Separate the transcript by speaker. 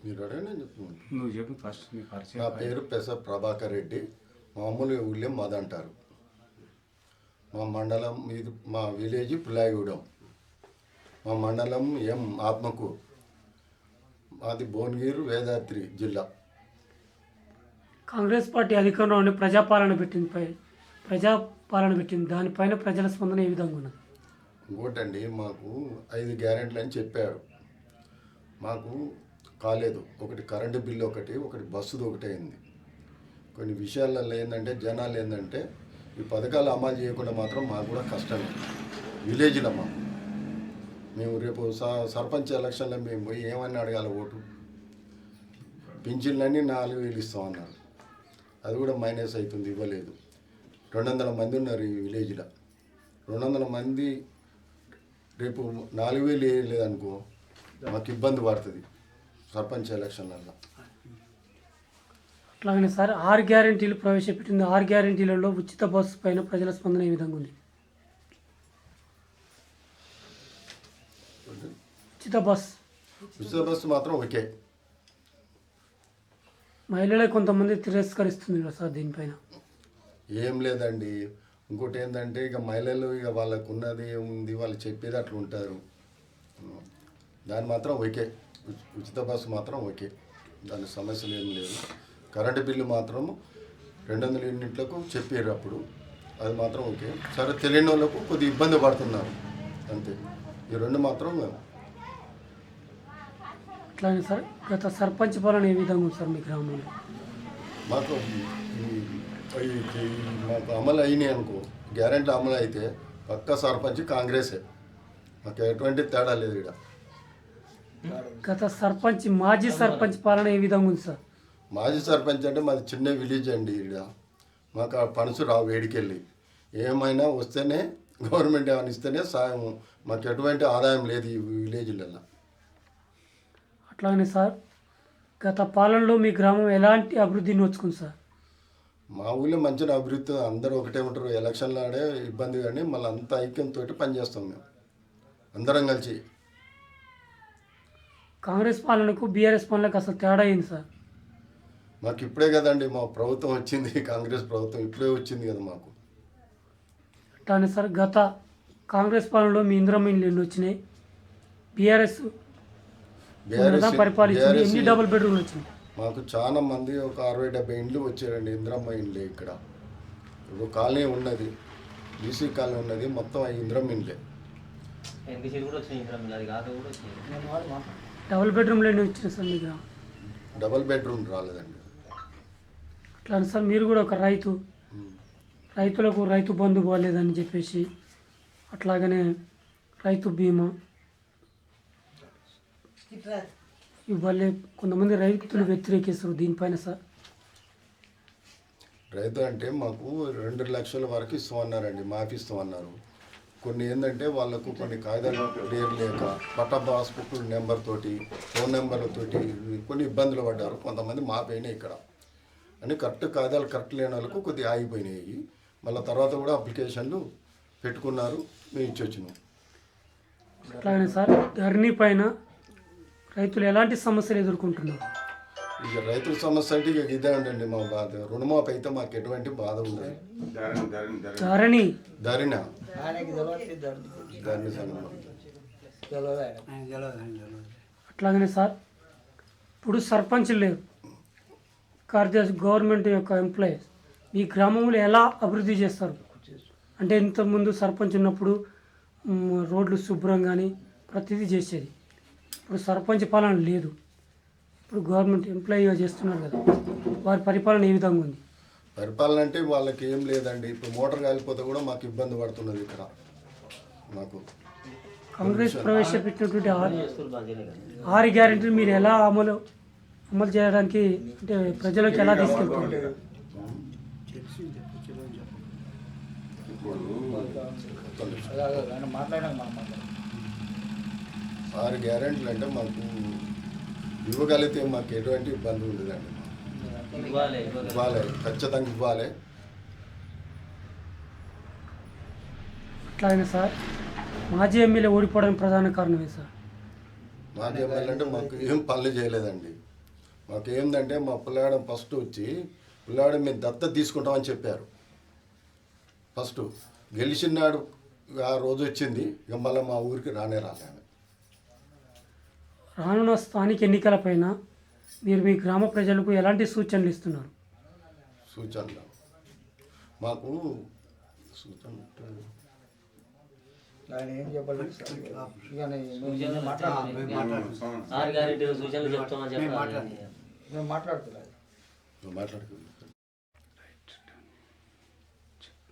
Speaker 1: మీరు అడగండి, నేను చెప్తున్నాను.
Speaker 2: నువ్వు చెప్పు ఫస్ట్ నీ పరిచయం.
Speaker 1: నా పేరు పెస ప్రభాకర్ రెడ్డి. మామూలుగా ఊళ్ళో మద అంటారు. మా మండలం ఇది, మా విలేజ్ పులాయగూడెం. మా మండలం ఎం ఆత్మకూరు. మాది భువనగిరి వేదాద్రి జిల్లా.
Speaker 3: కాంగ్రెస్ పార్టీ అధికారంలో ఉండి ప్రజాపాలన పెట్టింది దానిపైన ప్రజల స్పందన ఏ విధంగా ఉన్నది?
Speaker 1: ఇంకోటండి, మాకు 5 గ్యారెంటీలు అని చెప్పాడు. మాకు కాలేదు. ఒకటి కరెంటు బిల్లు, ఒకటి బస్సుది ఒకటి అయింది. కొన్ని విషయాలలో ఏంటంటే జనాలు ఏంటంటే ఈ పథకాలు అమలు చేయకుండా మాత్రం మాకు కూడా కష్టమే. విలేజ్లో మేము రేపు సర్పంచ్ ఎలక్షన్లో మేము పోయి ఏమని అడగాలి? ఓటు పింఛన్లన్నీ 4,000 ఇస్తామన్నారు. అది కూడా మైనస్ అవుతుంది, ఇవ్వలేదు. 200 మంది ఉన్నారు ఈ విలేజ్లో. 200 మంది రేపు 4,000 వేయలేదనుకో మాకు ఇబ్బంది పడుతుంది సర్పంచ్ ఎలక్షన్లలో.
Speaker 3: అట్లాగనే సార్ 6 గ్యారెంటీలు ప్రవేశపెట్టింది. 6 గ్యారెంటీలలో ఉచిత బస్సు పైన ప్రజల స్పందన ఏ విధంగా ఉంది? ఉచిత
Speaker 1: బస్సు మాత్రం ఓకే.
Speaker 3: మహిళలే కొంతమంది తిరస్కరిస్తుంది కదా సార్ దీనిపైన?
Speaker 1: ఏం లేదండి. ఇంకోటి ఏంటంటే ఇక మహిళలు ఇక వాళ్ళకు ఉన్నది ఏముంది, వాళ్ళు చెప్పేది అట్లా ఉంటారు. దాని మాత్రం ఓకే. ఉచిత బస్సు మాత్రం ఓకే, దాని సమస్యలు ఏం లేదు. కరెంటు బిల్లు మాత్రం 200 యూనిట్లకు చెప్పారు అప్పుడు, అది మాత్రం ఓకే. సరే, తెలియని వాళ్ళకు కొద్దిగా ఇబ్బంది పడుతున్నారు అంతే. ఈ రెండు మాత్రం
Speaker 3: అట్లానే సార్ గత సర్పంచ్ పాలన ఏ విధంగా ఉంది సార్ మీ గ్రామంలో?
Speaker 1: మాకు మాకు అమలు అయినాయి అనుకో, గ్యారెంటీ అమలు అయితే పక్క సర్పంచ్ కాంగ్రెసే. మాకు ఎటువంటి తేడా లేదు ఇక్కడ.
Speaker 3: గత మాజీ సర్పంచ్ పాలన ఏ విధంగా ఉంది సార్?
Speaker 1: మాజీ సర్పంచ్ అంటే మాది చిన్న విలేజ్ అండి. ఇక్కడ మాకు ఆ పనుసు రావు, వేడికెళ్ళి ఏమైనా వస్తేనే గవర్నమెంట్ ఏమైనా ఇస్తేనే సాయం. మాకు ఎటువంటి ఆదాయం లేదు ఈ విలేజ్లలో.
Speaker 3: అట్లానే సార్ గత పాలనలో మీ గ్రామం ఎలాంటి అభివృద్ధిని నోచుకుంది సార్?
Speaker 1: మా ఊళ్ళో మంచిగా అభివృద్ధి, అందరూ ఒకటే ఉంటారు. ఎలక్షన్లు ఆడే ఇబ్బంది, కానీ మళ్ళీ అంత ఐక్యంతో పనిచేస్తాం మేము అందరం కలిసి.
Speaker 3: కాంగ్రెస్ పాలనకు బీఆర్ఎస్ పాలనకు అసలు తేడా అయింది సార్?
Speaker 1: మాకు ఇప్పుడే కదండి మా ప్రభుత్వం వచ్చింది, కాంగ్రెస్ ప్రభుత్వం ఇప్పుడే వచ్చింది కదా మాకు.
Speaker 3: అట్లానే సార్ గత కాంగ్రెస్ పాలనలో మీ ఇందిరమ్మ ఇండ్లు ఎన్ని వచ్చినాయి? బీఆర్ఎస్ పరిపాలించింది, ఎన్ని డబుల్ బెడ్రూమ్లు వచ్చినాయి?
Speaker 1: మాకు చాలా మంది, ఒక 60-70 ఇండ్లు వచ్చారండి. ఇందిరమ్మ ఇండ్లే. ఇక్కడ ఇప్పుడు కాలనీ ఉన్నది, బీసీ కాలనీ ఉన్నది, మొత్తం ఇందిరమ్మ ఇండ్లే.
Speaker 3: డబుల్ బెడ్రూమ్లు ఎన్ని వచ్చినాయి సార్ మీ గ్రామం?
Speaker 1: డబుల్ బెడ్రూమ్ రాలేదండి.
Speaker 3: అట్లా సార్ మీరు కూడా ఒక రైతులకు రైతు బంధు బాగాలేదని చెప్పేసి, అట్లాగనే రైతు బీమా ఇవ్వలే, కొంతమంది రైతులు వ్యతిరేకిస్తారు దీనిపైన సార్.
Speaker 1: రైతు అంటే మాకు 2 లక్షల వరకు ఇస్తామన్నారండి, మాఫీ ఇస్తామన్నారు. కొన్ని ఏంటంటే వాళ్ళకు కొన్ని కాగితాలు క్లియర్ లేక పట్టా పాస్బుక్ నెంబర్ తోటి, ఫోన్ నెంబర్లతోటి కొన్ని ఇబ్బందులు పడ్డారు. కొంతమంది మాపైనాయి ఇక్కడ అని. కాగితాలు కరెక్ట్ లేని వాళ్ళకు కొద్దిగా ఆగిపోయినాయి. మళ్ళీ తర్వాత కూడా అప్లికేషన్లు పెట్టుకున్నారు, మేము ఇచ్చొచ్చినాం.
Speaker 3: అట్లాగే సార్ ధరణి పైన రైతులు ఎలాంటి సమస్యలు ఎదుర్కొంటున్నారు?
Speaker 1: ఇక రైతుల సమస్య అంటే ఇక ఇదే ఉండండి మా బాధ. రుణమాఫీ అయితే మాకు ఎటువంటి బాధ ఉండదు.
Speaker 3: ధరణి అట్లాగనే సార్ ఇప్పుడు సర్పంచ్ లేరు, కార్యదర్శి, గవర్నమెంట్ యొక్క ఎంప్లాయీస్ మీ గ్రామంలో ఎలా అభివృద్ధి చేస్తారు? అంటే ఇంతకుముందు సర్పంచ్ ఉన్నప్పుడు రోడ్లు శుభ్రం కానీ ప్రతిదీ చేసేది. ఇప్పుడు సర్పంచ్ పాలన లేదు, ఇప్పుడు గవర్నమెంట్ ఎంప్లాయీగా చేస్తున్నారు కదా, వారి పరిపాలన ఏ విధంగా ఉంది?
Speaker 1: పరిపాలన అంటే వాళ్ళకి ఏం లేదండి. ఇప్పుడు మోటార్ కాలిపోతే కూడా మాకు ఇబ్బంది పడుతున్నది ఇక్కడ. మాకు
Speaker 3: కాంగ్రెస్ ప్రవేశపెట్టినటువంటి 6 గ్యారెంటీలు మీరు ఎలా అమలు చేయడానికి, అంటే ప్రజలకు ఎలా తీసుకెళ్తారు?
Speaker 1: ఇప్పుడు 6 గ్యారెంటీలు అంటే మాకు ఇవ్వగలిగితే మాకు ఎటువంటి ఇబ్బంది ఉండదండి. ఇవ్వాలి, ఖచ్చితంగా ఇవ్వాలి.
Speaker 3: అట్లాగే సార్ మాజీ ఎమ్మెల్యే ఓడిపోవడానికి ప్రధాన కారణమే సార్?
Speaker 1: మాజీ ఎమ్మెల్యే అంటే మాకు ఏం పనులు చేయలేదండి. మాకు ఏంటంటే మా పిల్లాడు ఫస్ట్ వచ్చి పిల్లాడు మేము దత్తత తీసుకుంటామని చెప్పారు. ఫస్ట్ గెలిచినాడు ఆ రోజు వచ్చింది, ఇక మళ్ళీ మా ఊరికి రానే రాలేదు.
Speaker 3: రానున్న స్థానిక ఎన్నికలపైన మీరు మీ గ్రామ ప్రజలకు ఎలాంటి సూచనలు ఇస్తున్నారు?
Speaker 1: సూచనలు మాకు సూచన
Speaker 2: ఆయన ఏం చెప్పలేదు సార్. ఇక
Speaker 4: ఆరు గ్యారెంటీ సూచనలు చెప్తామని చెప్పాలి.
Speaker 2: మేము మాట్లాడుతున్నాం.
Speaker 1: మాట్లాడుకుందాం.